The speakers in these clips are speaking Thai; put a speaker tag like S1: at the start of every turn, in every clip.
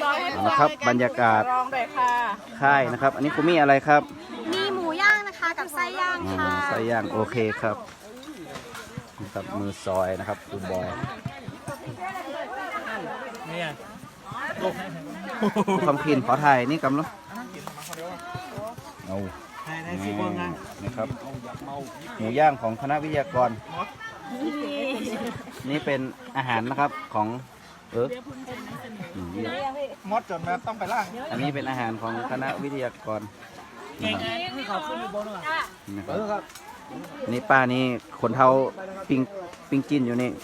S1: นะครับบรรยากาศค่ายนะครับ อันนี้คุณมีอะไรครับ
S2: มีหมูย่างนะคะกับไส้ย่างค่ะ
S1: ไส้ย่างโอเคครับนะครับมือซอยนะครับคุณบอยความคินขอถ่ายนี่กำลังเอานะครับหมูย่างของคณะวิทยากรนี่เป็นอาหารนะครับของ
S3: มดจนแบบต้องไปล่าง
S1: อันนี้เป็นอาหารของคณะวิทยากรนะครับนี่ป้านี่คนเท่าปิงจินอยู่นี่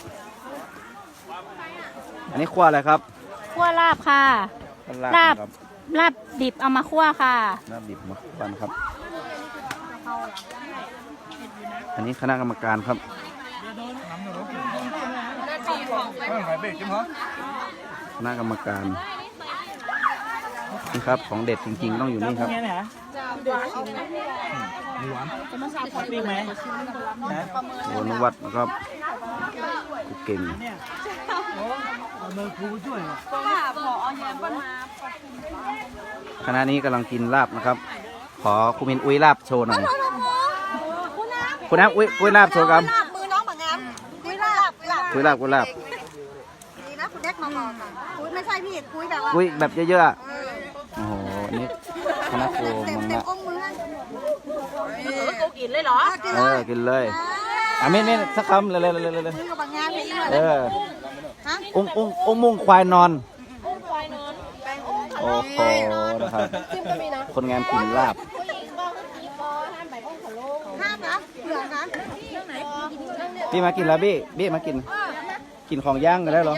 S1: อันนี้คั่วอะไรครับ
S2: คั่วลาบค่ะลาบดิบเอามาคั่วค่ะ
S1: ลาบดิบมาคั่วครับอันนี้คณะกรรมการครับคณะกรรมการนี่ครับของเด็ดจริงๆต้องอยู่นี่ครับโอ้นวัดนะครับกูเก่งคณะนี้กำลังกินลาบนะครับขอคุณมินอุ้ยลาบโชว์หน่อยคุณน้ำอุ้ยลาบโชว์ครับ
S2: มือน้องแบบงั้นอุ้ยลาบ
S1: อุ้ยลาบดี
S2: นะคุณแอ๊กมาบอกค่ะอุ้ยไม่ใช่พี่อุ้ยแบบว่า
S1: อุ้ยแบบเยอะๆโอ้โหนี่คณะครูมังนะ
S2: กูกินเลยเหรอ
S1: กินเลยเม่นสักคำเลยองมุงควายนอนโอ้โหนะครับคนงานกินลาบพี่มากินแล้วบี้มากินของย่างกันได้หรอ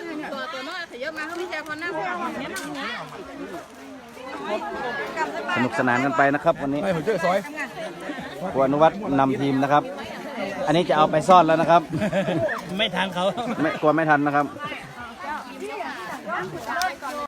S1: สนุกสนานกันไปนะครับวันนี้ครูอนุวัฒน์นำทีมนะครับอันนี้จะเอาไปซ่อนแล้วนะครับ
S3: ไม่ทันเขา
S1: กลัวไม่ทันนะครับ